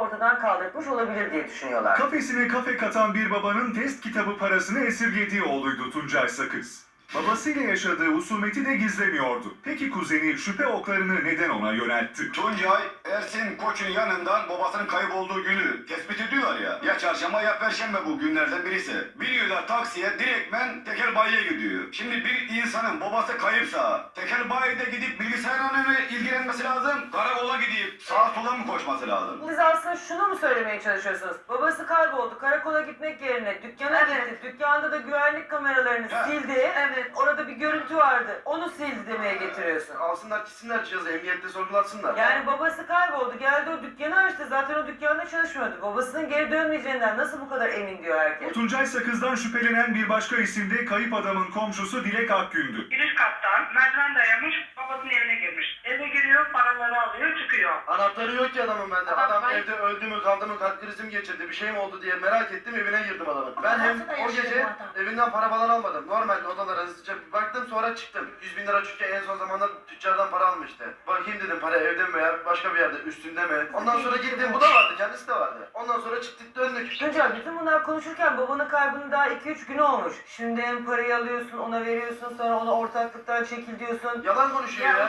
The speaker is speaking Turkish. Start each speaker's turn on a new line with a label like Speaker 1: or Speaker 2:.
Speaker 1: ortadan kaldırmış olabilir diye düşünüyorlar.
Speaker 2: Kafesine kafe katan bir babanın test kitabı parasını esirgediği oğluydu Tuncay Sakız. Babasıyla yaşadığı husumeti de gizlemiyordu. Peki kuzeni şüphe oklarını neden ona yöneltti?
Speaker 3: Tuncay, Ersin Koç'un yanından babasının kaybolduğu günü tespit ediyorlar ya. Ya çarşamba ya perşembe bu günlerden birisi. Biniyorlar taksiye direktmen tekel bayiye gidiyor. Şimdi bir insanın babası kayıpsa tekel bayide gidip bilgisayarla mı ilgilenmesi lazım? Karakola gidip sağa sola mı koşması lazım?
Speaker 1: Siz aslında şunu mu söylemeye çalışıyorsunuz? Babası kayboldu. Karakola gitmek yerine dükkana gitti. Dükkanda da güvenlik kameralarını sildi. Evet. Orada bir görüntü vardı. Onu sildi demeye getiriyorsun.
Speaker 4: Alsınlar gitsinler cihazı emniyette sorgulatsınlar.
Speaker 1: Yani babası kayboldu. Geldi o dükkanı açtı. Zaten o dükkanda çalışmıyordu. Babasının geri dönmeyeceğinden nasıl bu kadar emin diyor herkes?
Speaker 2: Tuncay Sakız'dan şüphelenen bir başka isim de kayıp adamın komşusu Dilek Akgün'dü.
Speaker 5: Bir üst kattan merdiven dayamış, babasının evine girmiş. Eve giriyor, paraları alıyor, çıkıyor.
Speaker 4: Anahtarı yok ki adamın bende. Adam evde öldü mü kaldı mı kalp krizi mi geçirdi bir şey mi oldu diye merak ettim evine girdim adamın. Ben hem o gece evinden para falan almadım. Normal odalara hızlıca bir baktım sonra çıktım. 100 bin lira çünkü en son zamanda tüccardan para almıştı. Bakayım dedim para evde mi veya başka bir yerde üstünde mi? Ondan sonra gittim bu da vardı kendisi de vardı. Ondan sonra çıktık döndük.
Speaker 1: Tuncay bütün bunlar konuşurken babanın kaybının daha 2-3 günü olmuş. Şimdi hem parayı alıyorsun ona veriyorsun sonra ona ortaklıktan çekil diyorsun.
Speaker 4: Yalan konuşuyor ya.